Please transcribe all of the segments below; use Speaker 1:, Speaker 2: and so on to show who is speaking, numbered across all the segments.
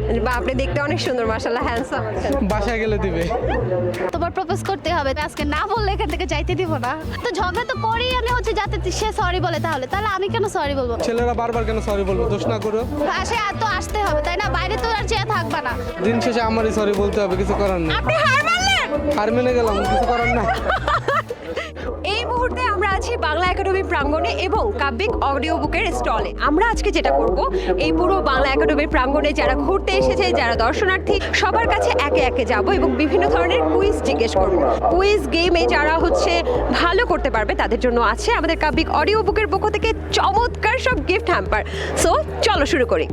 Speaker 1: বা আপনি দেখতে অনেক সুন্দর, মাশাআল্লাহ, হ্যান্ডসাম আছেন।
Speaker 2: বাসায় গেলে দিবে।
Speaker 3: তোমার প্রপোজ করতে হবে, আজকে না বললে এখান থেকে যাইতে দিব না। তো ঝগড়া তো করেই আমি হচ্ছে যাতে সে সরি বলে, তাহলে আমি কেন সরি বলবো?
Speaker 2: ছেলেরা বারবার কেন সরি বলবো? দোষ না করো।
Speaker 3: বাসায় এত আসতে হবে তাই না, বাইরে তো আর চেয়ে থাকবা না।
Speaker 2: দিন শেষে আমারই সরি বলতে হবে, কিছু করার নেই।
Speaker 1: আপনি হার মানলেন।
Speaker 2: হার মেনে গেলাম, কিছু করার নাই।
Speaker 1: এই মুহূর্তে আমরা আছি বাংলা একাডেমি প্রাঙ্গণে এবং কাব্যিক অডিও বুকের স্টলে। আমরা আজকে যেটা করব, এই পুরো বাংলা একাডেমির প্রাঙ্গণে যারা ঘুরতে এসেছে, যারা দর্শনার্থী, সবার কাছে একে একে যাব এবং বিভিন্ন ধরনের কুইজ জিজ্ঞেস করব। কুইজ গেমে যারা হচ্ছে ভালো করতে পারবে তাদের জন্য আছে আমাদের কাব্যিক অডিও বুকের পক্ষ থেকে চমৎকার সব গিফট হ্যাম্পার। সো চলো শুরু করি।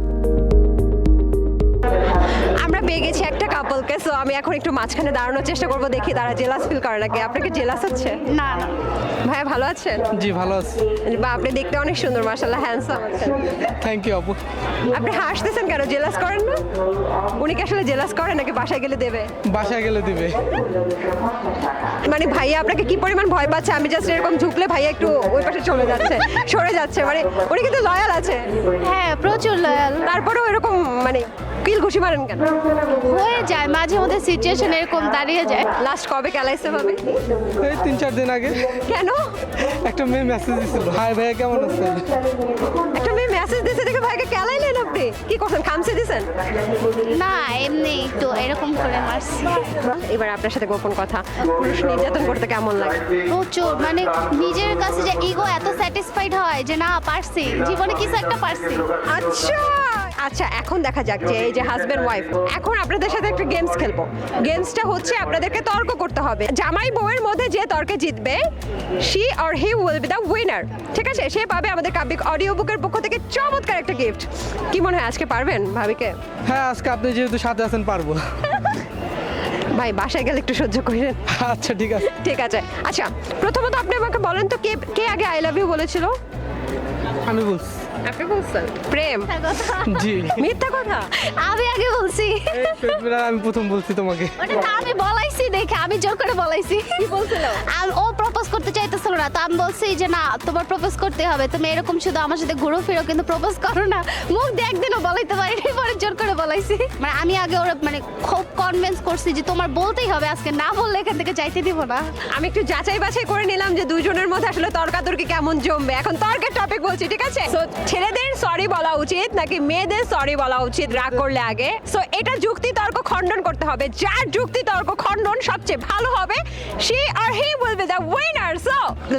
Speaker 1: আমরা পেয়ে গেছি একটা কাপলকে, সো আমি এখন একটু মাঝখানে দাঁড়ানোর চেষ্টা করব, দেখি তারা জেলাস ফিল করে নাকি। আপনাকে জেলাস হচ্ছে?
Speaker 3: না না,
Speaker 1: ভাইয়া ভালো আছেন?
Speaker 2: জি ভালো আছি।
Speaker 1: বা আপনি দেখতে অনেক সুন্দর, মাশাআল্লাহ, হ্যান্ডসাম আছেন।
Speaker 2: থ্যাংক ইউ আপু।
Speaker 1: আপনি হাসতেছেন কেন? জেলাস করেন না? উনি কি আসলে জেলাস করে নাকি বাসায় গেলে দেবে?
Speaker 2: বাসায় গেলে দিবে।
Speaker 1: মানে ভাইয়া আপনাকে কি পরিমাণ ভয় পাচ্ছে, আমি জাস্ট এরকম ঝুঁকলে ভাইয়া একটু ওই পাশে চলে যাচ্ছে, সরে যাচ্ছে। মানে উনি কিন্তু লয়াল আছে,
Speaker 3: হ্যাঁ প্রচুর লয়াল।
Speaker 1: তারপরেও এরকম মানে কিল ঘুষি মারেন কেন?
Speaker 3: হয়ে যায় মাঝে মধ্যে, সিচুয়েশন এরকম দাঁড়িয়ে যায়।
Speaker 1: লাস্ট কবে কেলাইছে ভাবে?
Speaker 2: এই 3-4 দিন আগে
Speaker 1: কেন?
Speaker 2: একটা মেয়ে মেসেজ দিছিল, হাই ভাইয়া কেমন আছেন?
Speaker 1: একটা মেয়ে মেসেজ দিয়েছে দেখে ভাইকে কেলাইলেন আপনি? কি করছেন, খামসে দিয়েছেন?
Speaker 3: না এমনি একটু এরকম করে মারছি।
Speaker 1: এবার আপনার সাথে গোপন কথা, পুরুষ নির্যাতন করতে কেমন লাগে?
Speaker 3: প্রচুর, মানে নিজের কাছে যে ইগো এত স্যাটিসফাইড হয় যে না পারছি, জীবনে কিছু একটা পারছি।
Speaker 1: আচ্ছা আচ্ছা, এখন দেখা যাক যে এই যে হাজবেন্ড ওয়াইফ, এখন আপনাদের সাথে একটা গেমস খেলবো। গেমসটা হচ্ছে আপনাদেরকে তর্ক করতে হবে। জামাই বউয়ের মধ্যে যে তর্কে জিতবে, she or he will be the winner. ঠিক আছে, সে পাবে আমাদের কাব্যিক অডিও বুকের পক্ষ থেকে চমৎকার একটা গিফট। কি মনে হয় আজকে পারবেন ভাবিকে?
Speaker 2: হ্যাঁ আজকে আপনি যেহেতু সাথে আছেন পারবো।
Speaker 1: ভাই বাসায় গেলে একটু সহ্য করেন।
Speaker 2: আচ্ছা ঠিক আছে।
Speaker 1: ঠিক আছে। আচ্ছা, প্রথমত আপনি আমাকে বলেন তো, কে কে আগে আই লাভ ইউ বলেছিল?
Speaker 2: আমি বলছি।
Speaker 1: আপনি বলছেন? প্রেম?
Speaker 2: জি।
Speaker 1: মিথ্যা কথা?
Speaker 3: আমি আগে বলছি।
Speaker 2: আমি প্রথম বলছি তোমাকে।
Speaker 3: ওটা তো আমি বলাইছি, দেখে আমি জোর করে বলাইছি।
Speaker 1: কি বলছিল?
Speaker 3: ও প্রপোজ করতে চাইতেছিল না, তো আমি বলছি যে না তোমার প্রপোজ করতে হবে, তুমি এরকম শুধু আমার সাথে ঘুরো ফিরো কিন্তু প্রপোজ করো না। মুখ দিয়ে একদিনও বলাইতে পারিনি, পরে জোর করে বলাইছি। মানে আমি আগে ওরা মানে খুব কনভিন্স করছি যে তোমার বলতেই হবে, আজকে না বললে এখান থেকে যাইতে দিব না।
Speaker 1: আমি একটু যাচাই বাছাই করে নিলাম যে দুইজনের মধ্যে আসলে তর্কাতর্কি কেমন জমবে। এখন তর্কের টপিক বলছি, ঠিক আছে? সো ছেলেদের সরি বলা উচিত নাকি মেয়েদের সরি বলা উচিত রাগ করলে আগে? সো এটা যুক্তি তর্ক খণ্ডন করতে হবে। যার যুক্তি তর্ক খণ্ডন সবচেয়ে ভালো হবে, সে আর he will be the winner. So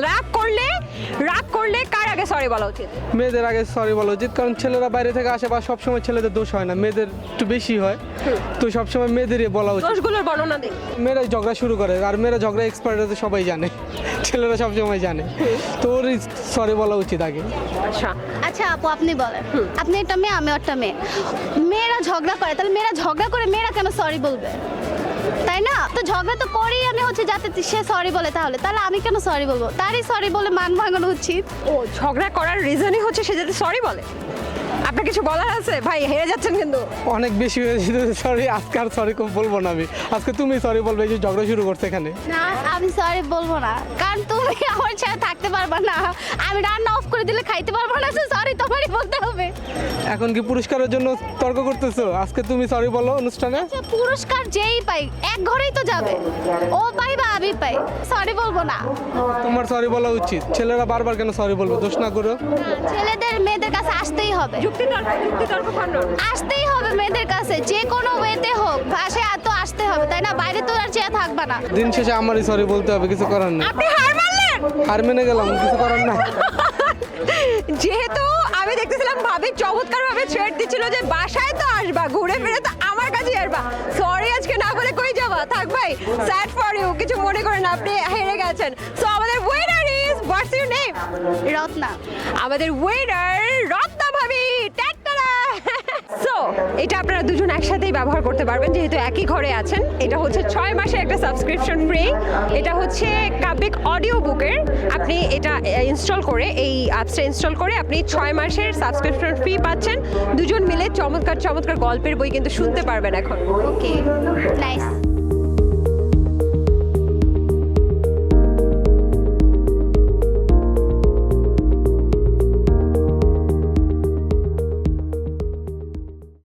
Speaker 1: রাগ করলে কার আগে সরি বলা উচিত?
Speaker 2: মেয়েদের আগে সরি বলা উচিত, কারণ ছেলেরা বাইরে থেকে আসে বা সবসময় ছেলেদের দোষ হয় না, মেয়েদের একটু বেশি হয়। তো সবসময় মেয়েদেরই বলা উচিত।
Speaker 1: দোষগুলোর বর্ণনা দিই।
Speaker 2: মেয়েরাই ঝগড়া শুরু করে, আর মেয়েরা ঝগড়া এক্সপার্ট আছে সবাই জানে, ছেলেরা সবসময় জানে। তো ওরই সরি বলা উচিত আগে।
Speaker 1: আচ্ছা,
Speaker 3: আচ্ছা আপু আপনি বলেন, আপনি একটা মেয়ে আমি একটা মেয়ে, মেয়েরা ঝগড়া করে, তাহলে মেয়েরা ঝগড়া করে মেয়েরা কেন সরি বলবে? তাই না? তো ঝগড়া তো করেই আমি হচ্ছে যাতে সে সরি বলে, তাহলে আমি কেন সরি বলবো? তারই সরি বলে মান ভাঙানো উচিত।
Speaker 1: ও ঝগড়া করার রিজনই হচ্ছে সে যাতে সরি বলে। আপনার কিছু বলার আছে? ভাই হেরে যাচ্ছেন কিন্তু।
Speaker 2: অনেক বেশি হয়ে যেত, সরি আজকে আর সরি বলবো না আমি। আজকে তুমি সরি বলবে, এই যে ঝগড়া শুরু করছে এখানে।
Speaker 3: না আমি সরি বলবো না, কারণ তুমি আমার সাথে থাকতে পারবা না, আমি রান্না অফ করে দিলে খাইতে পারবো না, সরি তোমারই বলতে হবে।
Speaker 2: এখন কি পুরস্কারের জন্য তর্ক করতেছো? আজকে তুমি সরি বলো অনুষ্ঠানে।
Speaker 3: আচ্ছা, পুরস্কার যেই পাই এক ঘরেই তো যাবে, ও পাই বা আমি পাই, সরি বলবো না।
Speaker 2: তোমার সরি বলা উচিত। ছেলেরা বারবার কেন সরি বলবো? দোষ না করো।
Speaker 3: ছেলেদের মেয়েদের কাছে আসতেই হবে,
Speaker 1: যুক্তি তর্ক খণ্ডন।
Speaker 3: আসতেই হবে মেয়েদের কাছে, যে কোনো ওয়েতে হোক ভাষায় তো আসতে হবে, তাই না? বাইরে তো আর চেয়ে থাকবা না।
Speaker 2: দিন শেষে আমারই সরি বলতে হবে, কিছু করার নেই।
Speaker 1: আপনি হার মানলেন।
Speaker 2: হার মেনে গেলাম, কিছু করার নাই।
Speaker 1: যেহেতু আমি দেখতেছিলাম ভাবি চমৎকার ভাবে থ্রেড দিচ্ছিল যে বাসায় তো আসবা, ঘুরে ফিরে তো আমার কাছে আসবা, সরি আজকে না বলে কই যাবা? থাক ভাই, স্যাড ফর ইউ, কিছু মনে করেন না, আপনি হেরে গেছেন। সো আমাদের winner is, what's your name?
Speaker 3: Ratna.
Speaker 1: আমাদের উইনার রত্না ভাবি। টাটা। সো এটা আপনারা দুজন একসাথেই ব্যবহার করতে পারবেন, যেহেতু একই ঘরে আছেন। এটা হচ্ছে 6 মাসের একটা সাবস্ক্রিপশন ফ্রি। এটা হচ্ছে কাব্যিক অডিও বুকের। আপনি এটা ইনস্টল করে, এই অ্যাপসটা ইনস্টল করে আপনি 6 মাসের সাবস্ক্রিপশন ফ্রি পাচ্ছেন। দুজন মিলে চমৎকার চমৎকার গল্পের বই কিন্তু শুনতে পারবেন এখন।
Speaker 3: Okay, nice.